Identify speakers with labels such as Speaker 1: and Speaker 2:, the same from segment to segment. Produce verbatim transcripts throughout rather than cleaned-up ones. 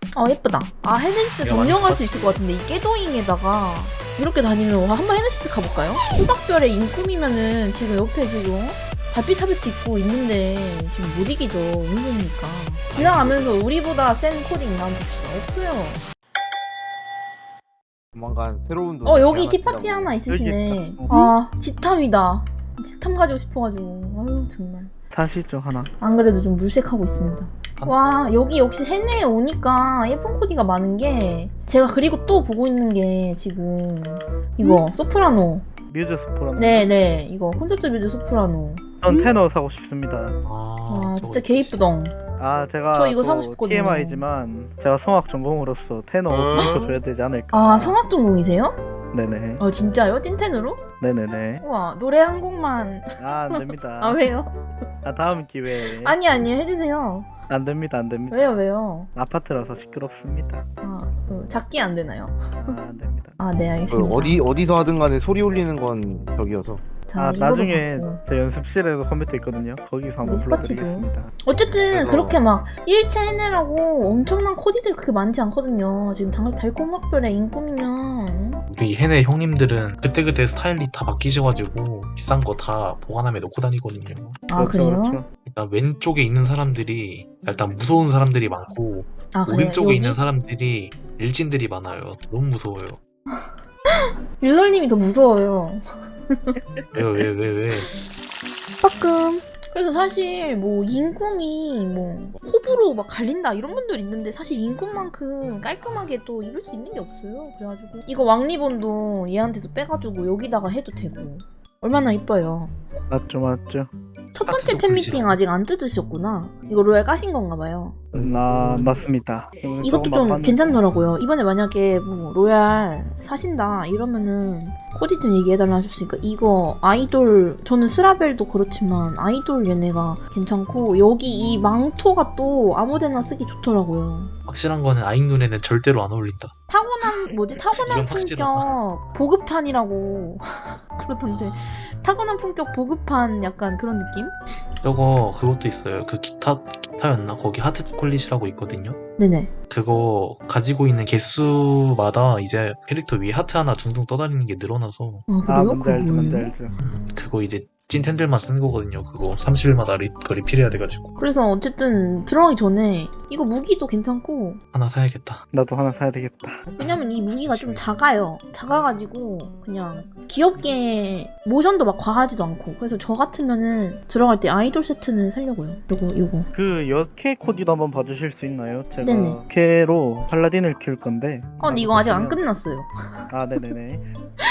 Speaker 1: 아 예쁘다. 아 헤네시스 점령할 수 있을 것 같은데 이 깨도잉에다가 이렇게 다니는 거 한번 헤네시스 가볼까요? 호박별의 인꿈이면은 지금 옆에 지금 달빛 샤베트 입고 있는데 지금 못 이기죠. 은근히니까 지나가면서 우리보다 센 코딩 나온 봅시다. 예뻐요.
Speaker 2: 조만간 새로운 돈.
Speaker 1: 어 여기 티파티 하나 있으시네. 아 지탐이다. 지탐 가지고 싶어가지고 아유 정말.
Speaker 3: 사시죠 하나.
Speaker 1: 안 그래도 좀 물색하고 있습니다. 와 여기 역시 해내에 오니까 예쁜 코디가 많은 게 제가 그리고 또 보고 있는 게 지금 이거 소프라노.
Speaker 3: 뮤즈 소프라노.
Speaker 1: 네네 이거 콘서트 뮤즈 소프라노.
Speaker 3: 전 테너 사고 싶습니다.
Speaker 1: 와 진짜 개 이쁘덩.
Speaker 3: 아 제가
Speaker 1: 저 이거
Speaker 3: 또
Speaker 1: 사고 싶거든요.
Speaker 3: 티엠아이지만 제가 성악 전공으로서 테너 옷을 줘야 되지 않을까.
Speaker 1: 아 성악 전공이세요?
Speaker 3: 네네.
Speaker 1: 어 진짜요? 찐텐으로?
Speaker 3: 네네네.
Speaker 1: 우와 노래 한 곡만.
Speaker 3: 아 안됩니다.
Speaker 1: 아 왜요?
Speaker 3: 아 다음 기회에.
Speaker 1: 아니 아니 해주세요.
Speaker 3: 안됩니다 안됩니다.
Speaker 1: 왜요 왜요?
Speaker 3: 아파트라서 시끄럽습니다.
Speaker 1: 아 어, 작게 안 되나요?
Speaker 3: 아 안됩니다.
Speaker 1: 아 네
Speaker 2: 그
Speaker 1: 알겠습니다.
Speaker 2: 어디 어디서 하든 간에 소리 울리는 건 저기여서.
Speaker 1: 자,
Speaker 3: 아
Speaker 1: 이거도
Speaker 3: 나중에
Speaker 1: 받고.
Speaker 3: 제 연습실에도 컴퓨터 있거든요. 거기서 한번
Speaker 1: 우리
Speaker 3: 불러드리겠습니다.
Speaker 1: 어쨌든
Speaker 2: 그래서-
Speaker 1: 그렇게 막 일체 해내라고 엄청난 코디들 그렇게 많지 않거든요. 지금 달, 달콤학별의 인꿈이면
Speaker 4: 우리 해내 형님들은 그때그때 스타일이 다 바뀌셔가지고 비싼 거 다 보관함에 넣고 다니거든요.
Speaker 1: 아 그래요?
Speaker 3: 그렇죠.
Speaker 4: 일단 왼쪽에 있는 사람들이 일단 무서운 사람들이 많고
Speaker 1: 아 그래요?
Speaker 4: 오른쪽에
Speaker 1: 여기?
Speaker 4: 있는 사람들이 일진들이 많아요. 너무 무서워요.
Speaker 1: 유설님이 더 무서워요.
Speaker 4: 왜요 왜 왜 왜?
Speaker 1: 빠끔. 그래서 사실 뭐 인꿈이 뭐 호불호 막 갈린다 이런 분들 있는데 사실 인꿈만큼 깔끔하게 또 입을 수 있는 게 없어요. 그래가지고 이거 왕리본도 얘한테서 빼가지고 여기다가 해도 되고 얼마나 이뻐요.
Speaker 3: 맞죠 맞죠.
Speaker 1: 첫
Speaker 4: 아,
Speaker 1: 번째
Speaker 4: 진짜
Speaker 1: 팬미팅
Speaker 4: 보이지?
Speaker 1: 아직 안 뜯으셨구나. 이거 로얄 까신 건가 봐요.
Speaker 3: 아 맞습니다.
Speaker 1: 이것도
Speaker 3: 조금
Speaker 1: 좀
Speaker 3: 맛봤는데.
Speaker 1: 괜찮더라고요. 이번에 만약에 뭐 로얄 사신다 이러면은 코디 좀 얘기해달라 하셨으니까 이거 아이돌 저는 스라벨도 그렇지만 아이돌 얘네가 괜찮고 여기 이 망토가 또 아무데나 쓰기 좋더라고요.
Speaker 4: 확실한 거는 아잉 눈에는 절대로 안 어울린다.
Speaker 1: 타고난 뭐지 타고난
Speaker 4: 이건 확실하다.
Speaker 1: 품격 보급판이라고 그러던데
Speaker 4: 아,
Speaker 1: 타고난 품격 보급판 약간 그런 느낌?
Speaker 4: 저거 그것도 있어요. 그 기타 기타였나? 거기 하트 퀄릿이라고 있거든요.
Speaker 1: 네네.
Speaker 4: 그거 가지고 있는 개수마다 이제 캐릭터 위에 하트 하나 둥둥 떠다니는 게 늘어나서
Speaker 1: 아 그래요?
Speaker 3: 아 뭔지 알죠
Speaker 1: 그거
Speaker 3: 뭔지
Speaker 1: 뭐예요?
Speaker 3: 알죠.
Speaker 4: 그거 이제 찐텐들만 쓰는 거거든요. 그거 삼십 일마다 리, 그 리필해야 돼가지고
Speaker 1: 그래서 어쨌든 들어가기 전에 이거 무기도 괜찮고
Speaker 4: 하나 사야겠다.
Speaker 3: 나도 하나 사야 되겠다.
Speaker 1: 왜냐면 이 무기가 좀 작아요. 작아가지고 그냥 귀엽게 모션도 막 과하지도 않고 그래서 저 같으면은 들어갈 때 아이돌 세트는 살려고요. 요거 요거.
Speaker 3: 그 여캐 코디도 한번 봐주실 수 있나요? 제가
Speaker 1: 네네.
Speaker 3: 캐로 팔라딘을 키울 건데.
Speaker 1: 어 근데 이거 아직 안
Speaker 3: 보시면-
Speaker 1: 끝났어요.
Speaker 3: 아 네네네.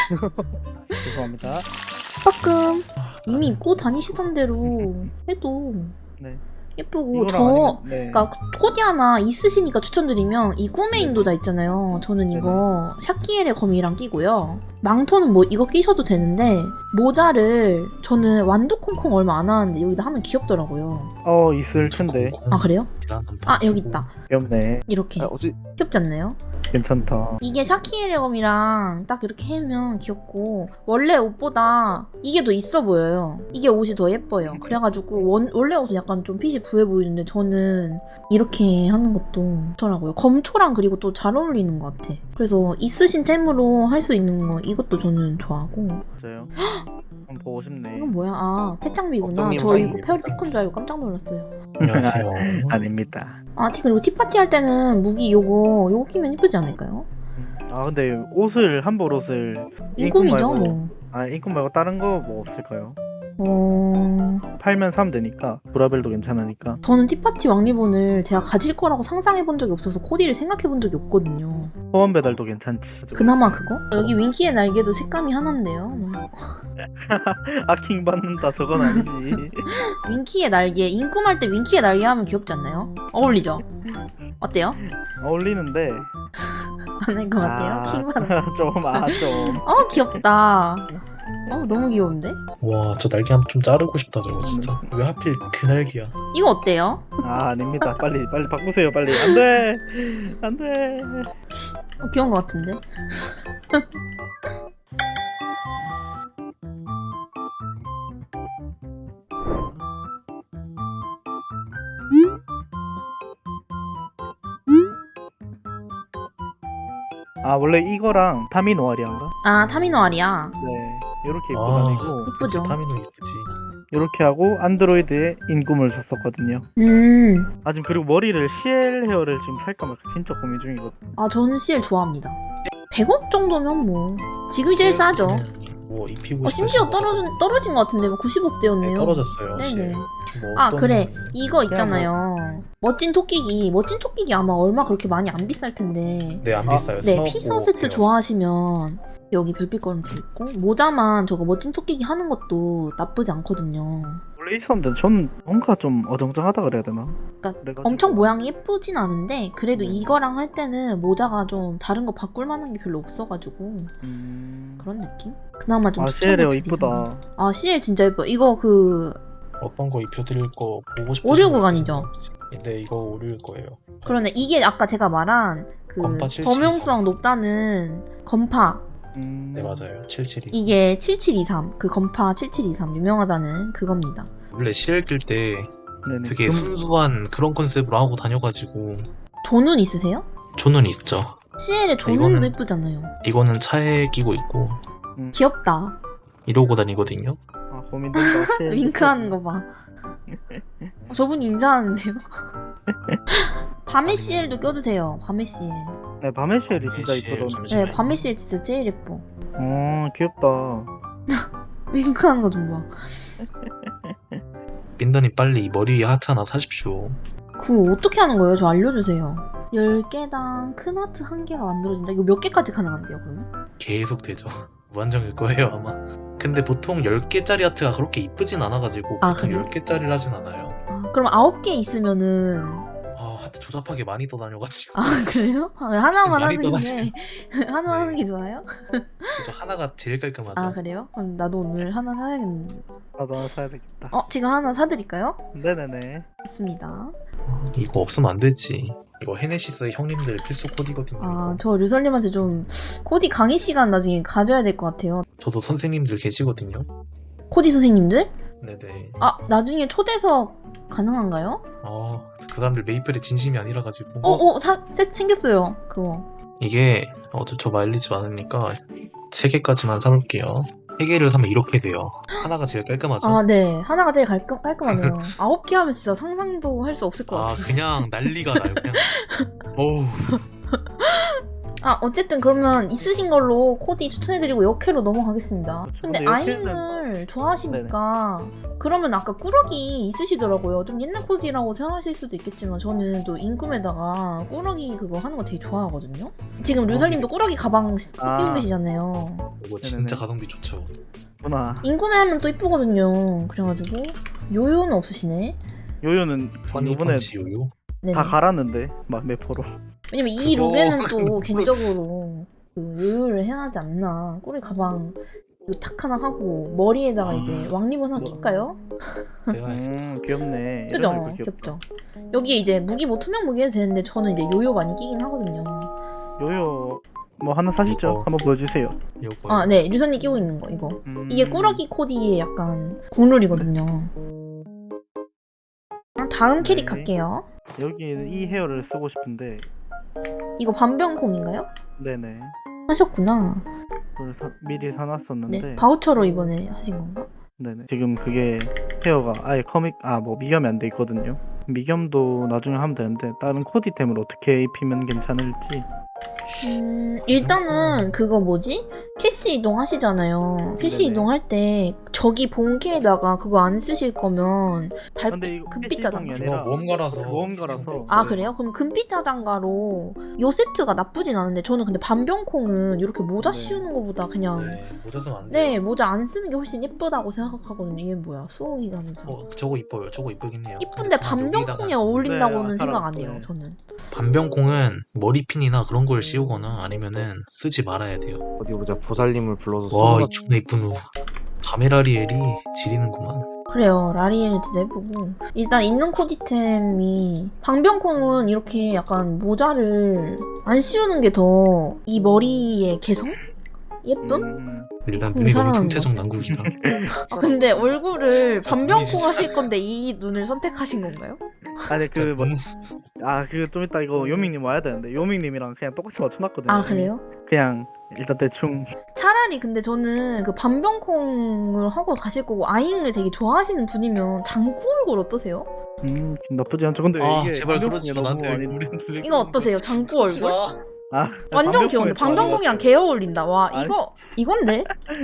Speaker 3: 죄송합니다.
Speaker 1: 빠끔. 이미 입고 다니시던 대로 해도
Speaker 3: 네.
Speaker 1: 예쁘고
Speaker 3: 이거랑
Speaker 1: 저
Speaker 3: 아니면- 네.
Speaker 1: 그러니까 코디 하나 있으시니까 추천드리면 이 꿈의 인도다 있잖아요. 저는 이거 샤키엘의 거미랑 끼고요. 망토는 뭐 이거 끼셔도 되는데 모자를 저는 완두콩콩 얼마 안 하는데 여기다 하면 귀엽더라고요.
Speaker 3: 어 있을 텐데.
Speaker 1: 아 그래요? 아 여기 있다.
Speaker 3: 귀엽네.
Speaker 1: 이렇게
Speaker 2: 아, 어찌
Speaker 1: 귀엽지 않나요?
Speaker 3: 괜찮다.
Speaker 1: 이게 샤키엘의 검이랑 딱 이렇게 하면 귀엽고 원래 옷보다 이게 더 있어 보여요. 이게 옷이 더 예뻐요. 그래가지고 원, 원래 옷은 약간 좀 핏이 부해 보이는데 저는 이렇게 하는 것도 좋더라고요. 검초랑 그리고 또 잘 어울리는 것 같아. 그래서 있으신 템으로 할 수 있는 거 이것도 저는 좋아하고.
Speaker 3: 맞아요. 한번 보고 싶네.
Speaker 1: 이건 뭐야? 아 패짱비구나.
Speaker 2: 어떤
Speaker 1: 저 이거
Speaker 4: 님이
Speaker 1: 페어리 피콘 줄 알고 깜짝 놀랐어요.
Speaker 4: 안녕하세요.
Speaker 3: 아닙니다.
Speaker 1: 아 티 그리고 티파티 할 때는 무기 요거 요거 끼면 이쁘지 않을까요?
Speaker 3: 아 근데 옷을 한벌 옷을
Speaker 1: 인꿈이죠
Speaker 3: 말고-
Speaker 1: 뭐.
Speaker 3: 아 인꿈 말고 다른 거 뭐 없을까요?
Speaker 1: 어...
Speaker 3: 팔면 사면 되니까 브라벨도 괜찮으니까.
Speaker 1: 저는 티파티 왕리본을 제가 가질 거라고 상상해 본 적이 없어서 코디를 생각해 본 적이 없거든요.
Speaker 3: 소원 배달도 괜찮지.
Speaker 1: 그나마 그거? 여기 윙키의 날개도 색감이 하나인데요.
Speaker 3: 아킹 받는다 저건 아니지.
Speaker 1: 윙키의 날개, 인꿈할 때 윙키의 날개 하면 귀엽지 않나요? 어울리죠? 어때요?
Speaker 3: 어울리는데.
Speaker 1: 안 할 것 같아요? 킹 받아.
Speaker 3: 좀 아 좀.
Speaker 1: 어 귀엽다. 어 너무 귀여운데?
Speaker 4: 와 저 날개 한번 좀 자르고 싶다 저거 진짜. 왜 하필 그 날개야?
Speaker 1: 이거 어때요?
Speaker 3: 아 아닙니다. 빨리 빨리 바꾸세요 빨리. 안돼 안돼.
Speaker 1: 어, 귀여운 것 같은데?
Speaker 3: 아 원래 이거랑 타미노아리안가?
Speaker 1: 아 타미노알이야.
Speaker 3: 네 이렇게 입고
Speaker 4: 아,
Speaker 3: 다니고
Speaker 4: 그치, 타미노 이쁘지.
Speaker 3: 이렇게 하고 안드로이드에 인꿈을 줬었거든요.
Speaker 1: 음.
Speaker 3: 아 지금 그리고 머리를 씨엘 헤어를 지금 살까 말까 진짜 고민 중이거든요.
Speaker 1: 아 저는 씨엘 좋아합니다. 백 원 정도면 뭐 지금 제일 싸죠.
Speaker 4: 뭐 입히고
Speaker 1: 어, 심지어
Speaker 4: 싶으신
Speaker 1: 떨어진
Speaker 4: 거거든요.
Speaker 1: 떨어진 것 같은데 뭐 구십억대였네요.
Speaker 4: 네, 떨어졌어요.
Speaker 1: 네네.
Speaker 4: 실. 뭐
Speaker 1: 아
Speaker 4: 어떤
Speaker 1: 그래
Speaker 4: 분이-
Speaker 1: 이거 있잖아요. 멋진 토끼기 멋진 토끼기 아마 얼마 그렇게 많이 안 비쌀 텐데.
Speaker 4: 네, 안
Speaker 3: 아,
Speaker 4: 비싸요.
Speaker 1: 네
Speaker 4: 사억,
Speaker 1: 피서
Speaker 4: 오억
Speaker 1: 세트
Speaker 4: 돼요.
Speaker 1: 좋아하시면 여기 별빛 걸음 돼 있고 모자만 저거 멋진 토끼기 하는 것도 나쁘지 않거든요.
Speaker 3: 원래 있었는데 전 뭔가 좀 어정쩡하다 그래야 되나?
Speaker 1: 그러니까
Speaker 3: 그래가지고-
Speaker 1: 엄청 모양이 예쁘진 않은데 그래도
Speaker 3: 네.
Speaker 1: 이거랑 할 때는 모자가 좀 다른 거 바꿀 만한 게 별로 없어가지고
Speaker 3: 음...
Speaker 1: 그런 느낌? 그나마 좀
Speaker 3: 아
Speaker 1: 추천을
Speaker 3: 씨엘 헤어
Speaker 1: 드리긴
Speaker 3: 이쁘다.
Speaker 1: 아 씨엘 진짜 예뻐. 이거 그
Speaker 4: 어떤 거 입혀드릴 거 보고 싶으신
Speaker 1: 오류국
Speaker 4: 거
Speaker 1: 아니죠?
Speaker 4: 있으시면- 네, 이거 오류일 거예요.
Speaker 1: 그러네 이게 아까 제가 말한 그
Speaker 4: 건파 칠칠이죠.
Speaker 1: 범용성 높다는 건파
Speaker 3: 음...
Speaker 4: 네, 맞아요. 칠칠이.
Speaker 1: 이게 칠칠이삼 그 건파 칠칠이삼 유명하다는 그겁니다.
Speaker 4: 원래 시엘 낄때
Speaker 3: 네네.
Speaker 4: 되게
Speaker 3: 금-
Speaker 4: 순수한 그런 컨셉으로 하고 다녀가지고
Speaker 1: 조눈 있으세요?
Speaker 4: 조는 있죠.
Speaker 1: 씨엘의 조눈도
Speaker 4: 이거는-
Speaker 1: 예쁘잖아요.
Speaker 4: 이거는 차에 끼고 있고
Speaker 1: 귀엽다.
Speaker 4: 이러고 다니거든요.
Speaker 3: 아 고민된다. 씨엘
Speaker 1: 윙크하는 거 봐. 어, 저분 인사하는데요. 밤의 씨엘도 껴주세요. 밤의 씨엘.
Speaker 3: 네 밤의 씨엘이 진짜
Speaker 4: 씨엘
Speaker 3: 이쁘던데.
Speaker 4: 잠시만요.
Speaker 1: 네, 밤의 씨엘 진짜 제일 예뻐.
Speaker 3: 어 귀엽다.
Speaker 1: 윙크하는 거 좀 봐.
Speaker 4: 빈더님 빨리 이 머리 위에 하트 하나 사십시오.
Speaker 1: 그거 어떻게 하는 거예요? 저 알려주세요. 열 개당 큰 하트 한 개가 만들어진다. 이거 몇 개까지 가능한데요, 그러면?
Speaker 4: 계속 되죠. 무한정일 거예요 아마. 근데 보통 열 개짜리 하트가 그렇게 이쁘진 않아가지고
Speaker 1: 아,
Speaker 4: 보통
Speaker 1: 그래요?
Speaker 4: 열 개짜리를 하진 않아요.
Speaker 1: 아, 그럼 아홉 개 있으면은
Speaker 4: 아, 하트 조잡하게 많이 떠다녀가지고
Speaker 1: 아 그래요? 아, 하나만
Speaker 4: 많이
Speaker 1: 하는 게 하나만
Speaker 4: 네.
Speaker 1: 하는 게 좋아요?
Speaker 4: 그죠, 하나가 제일 깔끔하죠.
Speaker 1: 아 그래요? 그럼 나도 오늘 하나 사야겠는데.
Speaker 3: 나도 하나 사야 되겠다.
Speaker 1: 어 지금 하나 사드릴까요?
Speaker 3: 네네네.
Speaker 1: 있습니다.
Speaker 4: 이거 없으면 안 되지. 이거 헤네시스 형님들 필수 코디거든요.
Speaker 1: 아
Speaker 4: 이거.
Speaker 1: 저 류설님한테 좀 코디 강의 시간 나중에 가져야 될 것 같아요.
Speaker 4: 저도 선생님들 계시거든요.
Speaker 1: 코디 선생님들?
Speaker 4: 네네.
Speaker 1: 아 나중에 초대석 가능한가요?
Speaker 4: 아, 그 사람들 메이플에 진심이 아니라가지고.
Speaker 1: 어어 사 세- 생겼어요 그거.
Speaker 4: 이게 어, 저, 저 마일리지 많으니까 세 개까지만 사볼게요. 세 개를 사면 이렇게 돼요. 하나가 제일 깔끔하죠.
Speaker 1: 아 네 하나가 제일 깔끔, 깔끔하네요. 아홉 개 하면 진짜 상상도 할 수 없을 것
Speaker 4: 아,
Speaker 1: 같아요.
Speaker 4: 그냥 난리가 나요. 그냥. 어우.
Speaker 1: 아 어쨌든 그러면 있으신 걸로 코디 추천해드리고 역회로 넘어가겠습니다.
Speaker 3: 그렇죠.
Speaker 1: 근데
Speaker 3: 근데
Speaker 1: 아잉을 좋아하시니까 그러면 아까 꾸러기 있으시더라고요. 좀 옛날 코디라고 생각하실 수도 있겠지만 저는 또 인꿈에다가 꾸러기 그거 하는 거 되게 좋아하거든요. 지금 류설님도 꾸러기 가방 끼고
Speaker 3: 아.
Speaker 1: 계시잖아요.
Speaker 4: 이거 진짜
Speaker 3: 네네네.
Speaker 4: 가성비 좋죠.
Speaker 3: 구나.
Speaker 1: 인꿈에 하면 또 이쁘거든요. 그래가지고 요요는 없으시네.
Speaker 3: 요요는
Speaker 4: 허니
Speaker 3: 이번에
Speaker 4: 펀치 요요.
Speaker 1: 네네.
Speaker 3: 다 갈았는데 막 매포로.
Speaker 1: 왜냐면 이
Speaker 4: 그거-
Speaker 1: 룩에는 또 개인적으로 그 요요를 해야 하지 않나. 꾸러기 가방 이거 탁 하나 하고 머리에다가
Speaker 3: 아.
Speaker 1: 이제 왕리본 하나
Speaker 3: 뭐.
Speaker 1: 낄까요?
Speaker 4: 내가
Speaker 3: 음 귀엽네.
Speaker 1: 그죠?
Speaker 3: 이런 거 귀엽다.
Speaker 1: 귀엽죠. 여기에 이제 무기 뭐 투명 무기 해도 되는데 저는 이제 요요 많이 끼긴 하거든요.
Speaker 3: 요요 뭐 하나 사시죠?
Speaker 4: 이거.
Speaker 3: 한번 보여주세요.
Speaker 4: 요거.
Speaker 1: 아, 네. 류선님 끼고 있는 거 이거.
Speaker 3: 음...
Speaker 1: 이게 꾸러기 코디의 약간 국룰이거든요. 다음 캐릭
Speaker 3: 네.
Speaker 1: 갈게요.
Speaker 3: 여기는 이 헤어를 쓰고 싶은데
Speaker 1: 이거 반병콩인가요?
Speaker 3: 네네.
Speaker 1: 하셨구나.
Speaker 3: 그걸 사, 미리 사놨었는데
Speaker 1: 네. 바우처로 이번에 하신 건가?
Speaker 3: 네네. 지금 그게 헤어가 아예 커믹 아 뭐 미겸이 안 돼 있거든요. 미겸도 나중에 하면 되는데 다른 코디템을 어떻게 입히면 괜찮을지.
Speaker 1: 음, 일단은 그거 뭐지? 캐시 이동 하시잖아요. 캐시
Speaker 3: 네네.
Speaker 1: 이동할 때 저기 본캐에다가 그거 안 쓰실 거면 달
Speaker 3: 근데 이거
Speaker 1: 금빛
Speaker 3: 캐시
Speaker 1: 자장가.
Speaker 3: 이동이
Speaker 4: 이거
Speaker 3: 아니라
Speaker 4: 모험가라서.
Speaker 3: 모험가라서.
Speaker 1: 아 그래요? 그럼 금빛 자장가로 요 세트가 나쁘진 않은데 저는 근데 반병콩은 이렇게 모자
Speaker 3: 네.
Speaker 1: 씌우는 것보다 그냥
Speaker 4: 네, 모자 쓰면 안 돼요.
Speaker 1: 네 모자 안 쓰는 게 훨씬 예쁘다고 생각하거든요. 이게 뭐야 수호기관에서
Speaker 4: 어, 저거 이뻐요. 저거 이쁘긴 해요.
Speaker 1: 이쁜데
Speaker 4: 근데
Speaker 1: 반병콩에
Speaker 4: 여기다가
Speaker 1: 어울린다고는
Speaker 3: 네,
Speaker 1: 생각
Speaker 3: 사람-
Speaker 1: 안 해요.
Speaker 3: 네.
Speaker 1: 저는.
Speaker 4: 반병콩은 머리핀이나 그런 걸 씌우거나 아니면은 쓰지 말아야 돼요.
Speaker 2: 어디 보자. 보살님을 불러서
Speaker 4: 와,
Speaker 2: 쏜다.
Speaker 4: 이 존나 이쁜 후. 카메라리엘이 지리는구만.
Speaker 1: 그래요. 라리엘 진짜 예쁘고 일단 있는 코디템이 방병콩은 이렇게 약간 모자를 안 씌우는 게 더 이 머리의 개성? 예쁨?
Speaker 3: 음,
Speaker 4: 일단
Speaker 1: 음,
Speaker 4: 눈이 너무
Speaker 1: 사랑하는
Speaker 4: 총체적 난국이다.
Speaker 1: 아, 근데 얼굴을
Speaker 4: 진짜
Speaker 1: 반병콩
Speaker 4: 눈이 진짜-
Speaker 1: 하실 건데 이 눈을 선택하신 건가요?
Speaker 3: 아니 그 뭐,
Speaker 4: 너무
Speaker 3: 아 그 좀 이따 이거 요밍님 와야 되는데 요밍님이랑 그냥 똑같이 맞춰놨거든요.
Speaker 1: 아 그래요?
Speaker 3: 그냥 일단 대충
Speaker 1: 차라리 근데 저는 그 반병콩을 하고 가실 거고 아잉을 되게 좋아하시는 분이면 장구 얼굴 어떠세요?
Speaker 3: 음 나쁘지 않죠. 근데
Speaker 4: 아
Speaker 3: 이게
Speaker 4: 제발
Speaker 3: 반병콩이
Speaker 4: 그러지 마.
Speaker 3: 너무
Speaker 4: 나한테
Speaker 3: 많이-
Speaker 4: 우리한테
Speaker 1: 이거 어떠세요? 장구
Speaker 4: 그러지
Speaker 1: 얼굴?
Speaker 4: 마.
Speaker 3: 아
Speaker 1: 완전
Speaker 3: 반병콩이
Speaker 1: 귀여운데
Speaker 3: 좀 아닌 것
Speaker 1: 방병콩이랑
Speaker 3: 같아요.
Speaker 1: 개 어울린다. 와
Speaker 4: 아니.
Speaker 1: 이거 이건데?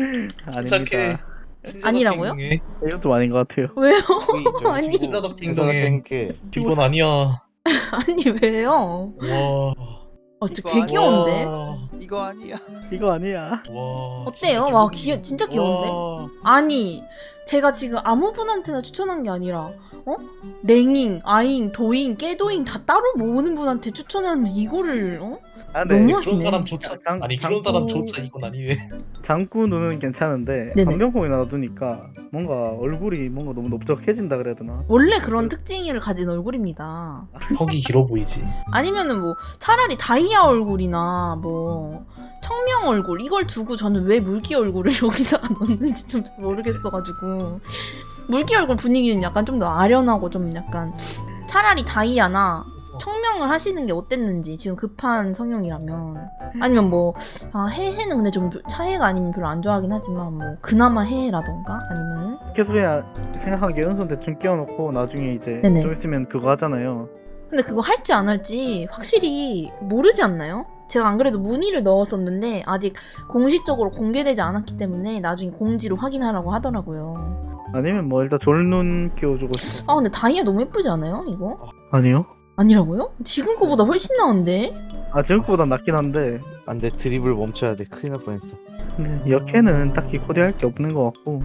Speaker 4: 침착해.
Speaker 3: 아닙니다.
Speaker 1: 아니라고요?
Speaker 4: 행동해.
Speaker 3: 이건 좀 아닌 것 같아요.
Speaker 1: 왜요? 아니.
Speaker 4: 신사답게 행동해.
Speaker 2: 게
Speaker 4: 이건 아니야.
Speaker 1: 아니 왜요?
Speaker 4: 와.
Speaker 1: 어, 저
Speaker 5: 이거
Speaker 1: 개
Speaker 5: 아니야.
Speaker 1: 귀여운데?
Speaker 4: 와.
Speaker 5: 이거 아니야.
Speaker 3: 이거 아니야.
Speaker 4: 와.
Speaker 1: 어때요?
Speaker 4: 진짜
Speaker 1: 와
Speaker 4: 기분이-
Speaker 1: 귀여 진짜 귀여운데?
Speaker 4: 와.
Speaker 1: 아니 제가 지금 아무 분한테나 추천한 게 아니라 어? 냉잉, 아잉, 도잉, 깨도잉 다 따로 모으는 분한테 추천하는데 이거를 어?
Speaker 3: 아,
Speaker 1: 너무
Speaker 3: 네.
Speaker 1: 하시네.
Speaker 4: 그런 사람조차
Speaker 3: 장-
Speaker 4: 아니 그런
Speaker 3: 장구-
Speaker 4: 사람조차 이건 아니네.
Speaker 3: 장구 눈은 괜찮은데
Speaker 1: 네네.
Speaker 3: 반병콩이 놔두니까 뭔가 얼굴이 뭔가 너무 넓적해진다 그래야 되나?
Speaker 1: 원래 그런 특징을 가진 얼굴입니다.
Speaker 4: 턱이 길어 보이지.
Speaker 1: 아니면은 뭐 차라리 다이아 얼굴이나 뭐 청명 얼굴 이걸 두고 저는 왜 물기 얼굴을 여기다가 넣는지 좀 모르겠어가지고 물기 얼굴 분위기는 약간 좀 더 아련하고 좀 약간 차라리 다이아나 청명을 하시는 게 어땠는지 지금 급한 성형이라면 아니면 뭐 아, 해해는 근데 좀 차해가 아니면 별로 안 좋아하긴 하지만 뭐 그나마 해라던가 아니면은
Speaker 3: 계속 그냥 생각한 게 은손 대충 끼워놓고 나중에 이제
Speaker 1: 네네.
Speaker 3: 좀 있으면 그거 하잖아요.
Speaker 1: 근데 그거 할지 안 할지 확실히 모르지 않나요? 제가 안 그래도 문의를 넣었었는데 아직 공식적으로 공개되지 않았기 때문에 나중에 공지로 확인하라고 하더라고요.
Speaker 3: 아니면 뭐 일단 졸눈 끼워주고 싶어.
Speaker 1: 아 근데 다이아 너무 예쁘지 않아요? 이거?
Speaker 3: 아니요?
Speaker 1: 아니라고요? 지금 거보다 훨씬 나은데?
Speaker 3: 아 지금보단 낫긴 한데
Speaker 2: 안돼 드립을 멈춰야 돼. 큰일 날 뻔했어.
Speaker 3: 근데 역해는 딱히 코디할 게 없는 것 같고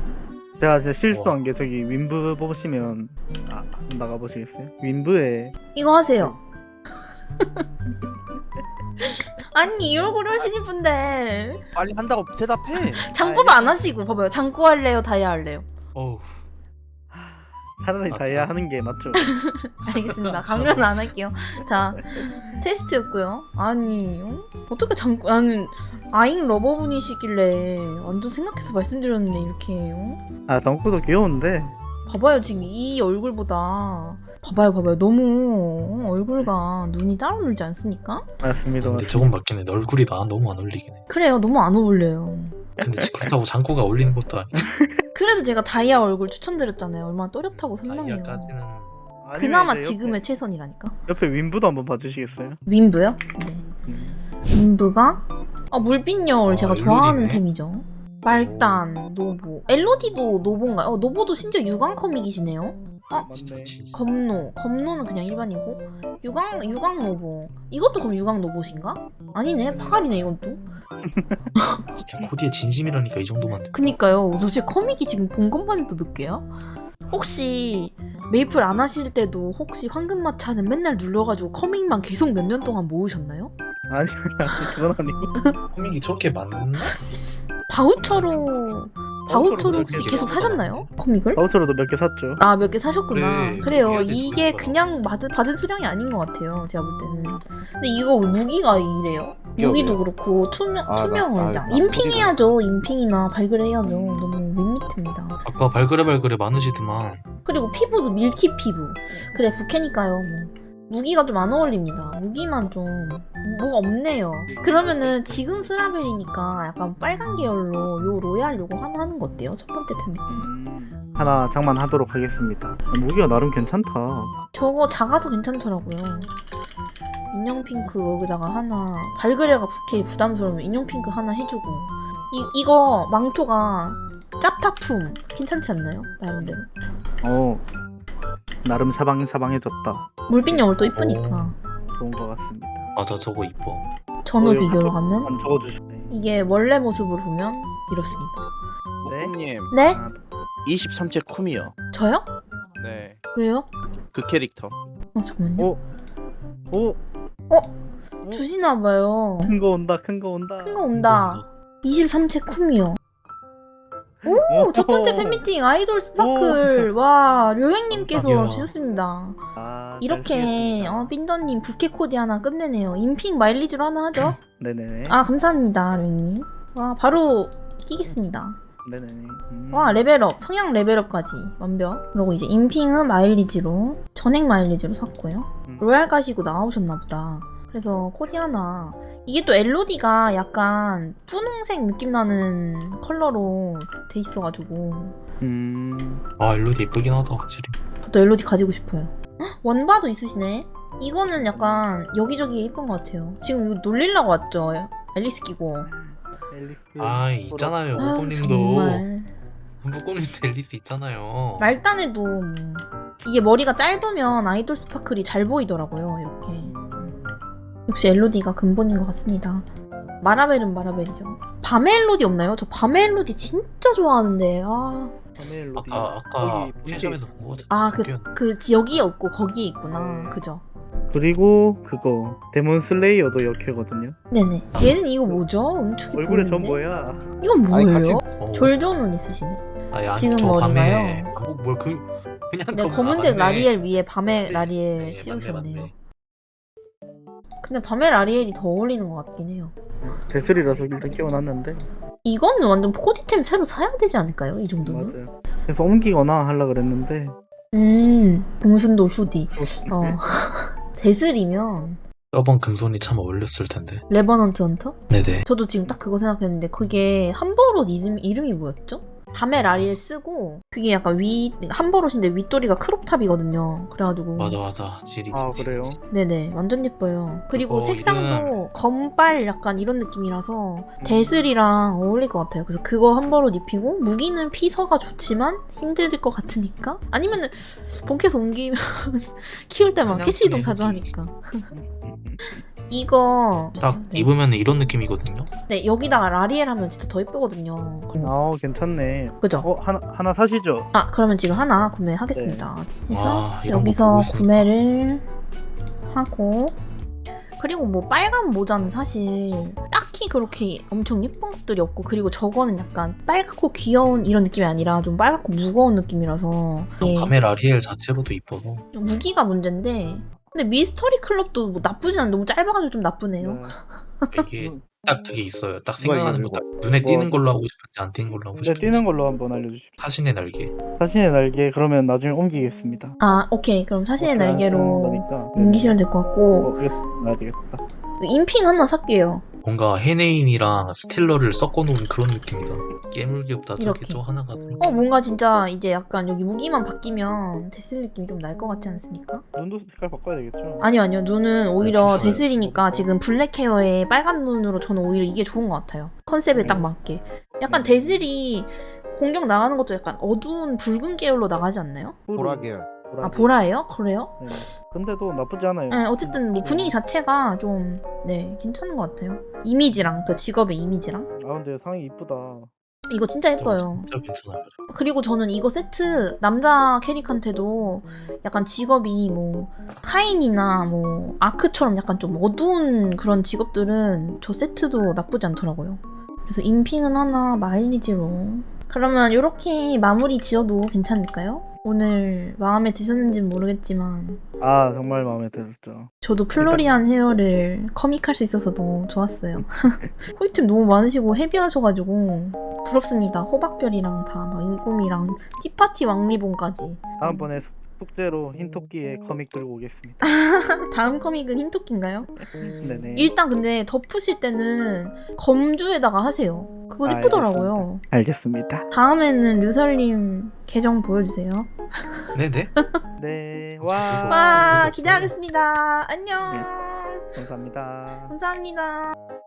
Speaker 3: 제가 진짜 실수한 게 저기 윈브 보시면 아 나가보시겠어요? 윈브에
Speaker 1: 이거 하세요. 아니 이 얼굴 하시는 분들
Speaker 5: 빨리 한다고 대답해.
Speaker 1: 장구도 안 하시고 봐봐요. 장구 할래요? 다이아 할래요?
Speaker 4: 어우.
Speaker 3: 차라리
Speaker 4: 아,
Speaker 3: 다이아
Speaker 4: 참.
Speaker 3: 하는 게 맞죠.
Speaker 1: 알겠습니다. 강요는 안 할게요. 자, 테스트였고요. 아니, 어? 어떻게 장구, 나는 아잉 러버분이시길래 완전 생각해서 말씀드렸는데 이렇게 어?
Speaker 3: 아 덩크도 귀여운데
Speaker 1: 봐봐요. 지금 이 얼굴보다 봐봐요, 봐봐요. 너무 어, 얼굴과 눈이 따로 놀지 않습니까?
Speaker 3: 맞습니다.
Speaker 4: 근데 저건 맞긴 해. 내 얼굴이 나 너무 안 어울리긴 해.
Speaker 1: 그래요. 너무 안 어울려요.
Speaker 4: 근데 지- 그렇다고 장구가 어울리는 것도 아니야.
Speaker 1: 그래서 제가 다이아 얼굴 추천드렸잖아요. 얼마나 또렷하고 선명해요.
Speaker 4: 다이아까지는
Speaker 3: 아니면
Speaker 1: 그나마
Speaker 3: 이제
Speaker 1: 지금의 최선이라니까.
Speaker 3: 옆에, 옆에 윈브도 한번 봐주시겠어요?
Speaker 1: 윈브요? 네.
Speaker 3: 음.
Speaker 1: 윈브가 아 물빛 여울
Speaker 4: 아,
Speaker 1: 제가
Speaker 4: 엘로디네.
Speaker 1: 좋아하는 템이죠. 말단, 노보. 엘로디도 노보인가요? 어, 노보도 심지어 유광 커믹이시네요. 어?
Speaker 4: 진짜 진짜.
Speaker 1: 검노. 검노는 그냥 일반이고. 유광, 유광 노보. 이것도 그럼 유광 노보신가? 아니네. 파갈이네, 이건 또.
Speaker 4: 진짜 코디에 진심이라니까 이 정도만. 돼.
Speaker 1: 그니까요. 도대체 커믹이 지금 본 것만 해도 몇 개야? 혹시 메이플 안 하실 때도 혹시 황금마차는 맨날 눌러가지고 커믹만 계속 몇 년 동안 모으셨나요?
Speaker 3: 아니 아니 그건 아니고
Speaker 4: 코믹이 저렇게 많나?
Speaker 1: 바우처로 바우처로 혹시
Speaker 4: 그렇게
Speaker 1: 계속
Speaker 4: 계속
Speaker 1: 사셨나요? 커믹을?
Speaker 3: 바우처로도 몇 개 샀죠.
Speaker 1: 아 몇 개 사셨구나.
Speaker 4: 그래,
Speaker 1: 그래요.
Speaker 4: 그렇게 해야지
Speaker 1: 이게
Speaker 4: 좋겠어요.
Speaker 1: 그냥 받은, 받은 수량이 아닌 것 같아요. 제가 볼 때는. 근데 이거 무기가 이래요?
Speaker 2: 이거
Speaker 1: 무기도
Speaker 2: 왜요?
Speaker 1: 그렇고 투명
Speaker 2: 아, 나-
Speaker 1: 투명을
Speaker 2: 아, 나
Speaker 1: 인핑해야죠. 인핑이나 발그레해야죠. 너무 밋밋합니다.
Speaker 4: 아까 발그레발그레 많으시더만.
Speaker 1: 그리고 피부도 밀키 피부. 그래 부캐니까요. 뭐. 무기가 좀 안 어울립니다. 무기만 좀 뭐가 없네요. 그러면은 지금 스라벨이니까 약간 빨간 계열로 요 로얄 요거 하나 하는 거 어때요? 첫 번째 팬미팅.
Speaker 3: 음, 하나 장만하도록 하겠습니다. 아, 무기가 나름 괜찮다.
Speaker 1: 저거 작아서 괜찮더라고요. 인형 핑크 여기다가 하나 발그레가 부캐 부담스러우면 인형 핑크 하나 해주고 이, 이거 망토가 짭타품 괜찮지 않나요? 나름대로
Speaker 3: 어 나름 샤방샤방해졌다.
Speaker 1: 물빛 여울 또 이쁘니까
Speaker 3: 좋은 것 같습니다.
Speaker 4: 맞아 저거 이뻐.
Speaker 1: 전후
Speaker 3: 어, 이거
Speaker 1: 비교로
Speaker 3: 한번
Speaker 1: 가면
Speaker 3: 한번 적어주시네.
Speaker 1: 이게 원래 모습으로 보면 이렇습니다.
Speaker 3: 네?
Speaker 5: 목금님
Speaker 1: 네?
Speaker 3: 아,
Speaker 5: 이십삼 째 쿰이요.
Speaker 1: 저요?
Speaker 5: 네.
Speaker 1: 왜요?
Speaker 5: 그 캐릭터.
Speaker 1: 어 잠깐만요.
Speaker 3: 오, 오,
Speaker 1: 어? 주시나봐요.
Speaker 3: 큰 거 온다, 큰 거 온다.
Speaker 1: 큰 거 온다. 이십삼 채 쿰이요. 오! 첫 번째 팬미팅 아이돌 스파클. 와 료행님께서
Speaker 4: 깜짝이야.
Speaker 1: 주셨습니다.
Speaker 3: 아, 잘
Speaker 1: 이렇게
Speaker 3: 쓰겠습니다.
Speaker 1: 어, 빈더님 부캐 코디 하나 끝내네요. 인핑 마일리지로 하나 하죠?
Speaker 3: 네네네.
Speaker 1: 아 감사합니다 료행님. 와 바로 끼겠습니다.
Speaker 3: 네네네. 음.
Speaker 1: 와 레벨업 성향 레벨업까지 완벽. 그리고 이제 인핑은 마일리지로 전액 마일리지로 샀고요.
Speaker 3: 음.
Speaker 1: 로얄 가시고 나오셨나 보다. 그래서 코디 하나. 이게 또 엘오디가 약간 분홍색 느낌 나는 컬러로 돼 있어가지고
Speaker 3: 음.
Speaker 4: 아 엘로디 예쁘긴 하다 확실히.
Speaker 1: 저도 엘오디 가지고 싶어요. 헉, 원바도 있으시네. 이거는 약간 여기저기 예쁜 것 같아요. 지금 이거 놀리려고 왔죠? 앨리스 끼고.
Speaker 3: 앨리스.
Speaker 4: 아 있잖아요
Speaker 1: 아유,
Speaker 4: 뽀뽀님도.
Speaker 1: 정말.
Speaker 4: 뽀뽀님도 앨리스 있잖아요.
Speaker 1: 말단에도 뭐 이게 머리가 짧으면 아이돌 스파클이 잘 보이더라고요. 이렇게. 역시 엘오디가 근본인 것 같습니다. 마라벨은 마라벨이죠. 밤의 엘오디 없나요? 저 밤의 엘오디 진짜 좋아하는데. 아,
Speaker 3: 멜로디.
Speaker 4: 아까 아까 편의점에서 본 거 같아.
Speaker 1: 아 그 그 여기에 없고 거기에 있구나. 그죠?
Speaker 3: 그리고 그거 데몬 슬레이어도 역해거든요.
Speaker 1: 네네. 얘는 이거 뭐죠? 응축이
Speaker 3: 얼굴에
Speaker 1: 보이는데?
Speaker 3: 전 뭐야?
Speaker 1: 이건
Speaker 2: 아니,
Speaker 1: 뭐예요?
Speaker 4: 어.
Speaker 1: 졸조는 있으시네.
Speaker 4: 아니, 아니,
Speaker 1: 지금
Speaker 4: 저
Speaker 1: 머리가요?
Speaker 4: 밤에 아, 뭐, 뭐 그, 그냥
Speaker 1: 네,
Speaker 4: 그-
Speaker 1: 검은색
Speaker 4: 아, 맞네.
Speaker 1: 라리엘 위에 밤의
Speaker 4: 네,
Speaker 1: 라리엘
Speaker 4: 네,
Speaker 1: 씌우셨네요.
Speaker 4: 맞네, 맞네.
Speaker 1: 근데 밤의 라리엘이 더 어울리는 것 같긴 해요.
Speaker 3: 데슬이라서 일단 끼워놨는데.
Speaker 1: 이거는 완전 코디템 새로 사야 되지 않을까요? 이 정도는?
Speaker 3: 맞아요. 그래서 옮기거나 하려 그랬는데.
Speaker 1: 음, 봉순도 후디. 어. 데슬이면
Speaker 4: 저번 금손이 참 어울렸을 텐데.
Speaker 1: 레버넌트 헌터?
Speaker 4: 네네.
Speaker 1: 저도 지금 딱 그거 생각했는데 그게 함버롯 이름, 이름이 뭐였죠? 밤에 라리엘 쓰고 그게 약간 위 함버롯인데 윗도리가 크롭탑이거든요. 그래가지고
Speaker 4: 맞아 맞아. 지리지.
Speaker 3: 아,
Speaker 4: 지리지.
Speaker 3: 그래요?
Speaker 1: 네네 완전 예뻐요. 그리고
Speaker 4: 어,
Speaker 1: 색상도 검빨 약간 이런 느낌이라서 데슬이랑 어울릴 것 같아요. 그래서 그거 함버롯 입히고 무기는 피서가 좋지만 힘들 것 같으니까 아니면은 본캐서 옮기면 키울 때만
Speaker 4: 그냥
Speaker 1: 캐시 이동
Speaker 4: 그냥
Speaker 1: 자주
Speaker 4: 여기.
Speaker 1: 하니까 이거
Speaker 4: 딱
Speaker 1: 네.
Speaker 4: 입으면 이런 느낌이거든요.
Speaker 1: 네 여기다가 라리엘 하면 진짜 더 예쁘거든요.
Speaker 3: 아, 괜찮네.
Speaker 1: 그죠?
Speaker 3: 어, 하나 하나 사시죠?
Speaker 1: 아 그러면 지금 하나 구매하겠습니다. 그래서
Speaker 4: 와, 이런 거
Speaker 1: 여기서
Speaker 4: 보고 있으니까.
Speaker 1: 구매를 하고 그리고 뭐 빨간 모자는 사실 딱히 그렇게 엄청 예쁜 것들이 없고 그리고 저거는 약간 빨갛고 귀여운 이런 느낌이 아니라 좀 빨갛고 무거운 느낌이라서 이게
Speaker 4: 밤의 라리엘 자체로도 이뻐서.
Speaker 1: 무기가 문제인데 근데 미스터리 클럽도 뭐 나쁘진 않은데 너무 짧아가지고 좀 나쁘네요.
Speaker 3: 네.
Speaker 4: 이게 딱 그게 있어요. 딱
Speaker 2: 뭐야,
Speaker 4: 생각나는
Speaker 2: 이거,
Speaker 4: 거 딱 눈에
Speaker 3: 뭐,
Speaker 4: 띄는 걸로 하고 싶은지 안 띄는 걸로 하고
Speaker 3: 근데
Speaker 4: 싶은지.
Speaker 3: 뛰는 걸로 한번 알려주십시오.
Speaker 4: 사신의 날개.
Speaker 3: 사신의 날개 그러면 나중에 옮기겠습니다.
Speaker 1: 아 오케이 그럼 사신의
Speaker 3: 어차피 안
Speaker 1: 날개로
Speaker 3: 쓰는 거니까.
Speaker 1: 옮기시면 될 것 같고
Speaker 3: 어, 이거 놔야 되겠다.
Speaker 1: 인핑 하나 살게요.
Speaker 4: 뭔가 헤네인이랑 스틸러를 섞어놓은 그런 느낌이다. 깨물기보다 저게
Speaker 1: 이렇게.
Speaker 4: 저 하나가 더.
Speaker 1: 어 뭔가 진짜 이제 약간 여기 무기만 바뀌면 데슬 느낌이 좀 날 것 같지 않습니까?
Speaker 3: 눈도 색깔 바꿔야 되겠죠?
Speaker 1: 아니요 아니요 눈은 오히려
Speaker 4: 괜찮아요.
Speaker 1: 데슬이니까 지금 블랙 헤어에 빨간 눈으로 저는 오히려 이게 좋은 것 같아요. 컨셉에 딱 맞게. 약간 데슬이 공격 나가는 것도 약간 어두운 붉은 계열로 나가지 않나요?
Speaker 2: 보라 계열.
Speaker 1: 아 보라예요? 그래요?
Speaker 3: 네. 근데도 나쁘지 않아요.
Speaker 1: 네 어쨌든 뭐 분위기 자체가 좀 네 괜찮은 것 같아요. 이미지랑 그 직업의 이미지랑
Speaker 3: 아, 근데 상이 이쁘다.
Speaker 1: 이거 진짜
Speaker 4: 저거
Speaker 1: 예뻐요.
Speaker 4: 진짜 괜찮아요.
Speaker 1: 그리고 저는 이거 세트 남자 캐릭한테도 약간 직업이 뭐 카인이나 뭐 아크처럼 약간 좀 어두운 그런 직업들은 저 세트도 나쁘지 않더라고요. 그래서 인핑은 하나 마일리지로 그러면 이렇게 마무리 지어도 괜찮을까요? 오늘 마음에 드셨는지는 모르겠지만
Speaker 3: 아, 정말 마음에 들었죠.
Speaker 1: 저도 플로리안 헤어를 커믹할 수 있어서 너무 좋았어요. 코이템 너무 많으시고 헤비하셔가지고 부럽습니다. 호박별이랑 다 막 인꿈이랑 티파티 왕리본까지.
Speaker 3: 다음번에 숙- 숙제로 흰토끼의 커믹 들고 오겠습니다.
Speaker 1: 다음 커믹은 흰토끼인가요?
Speaker 3: 네네.
Speaker 1: 일단 근데 덮으실 때는 검주에다가 하세요. 그거
Speaker 3: 아,
Speaker 1: 예쁘더라고요.
Speaker 3: 알겠습니다.
Speaker 1: 다음에는 류설님 계정 보여주세요.
Speaker 4: 네네.
Speaker 3: 네.
Speaker 4: 그거
Speaker 3: 와.
Speaker 1: 와
Speaker 4: 없어요.
Speaker 1: 기대하겠습니다. 안녕.
Speaker 3: 감사합니다.
Speaker 1: 감사합니다.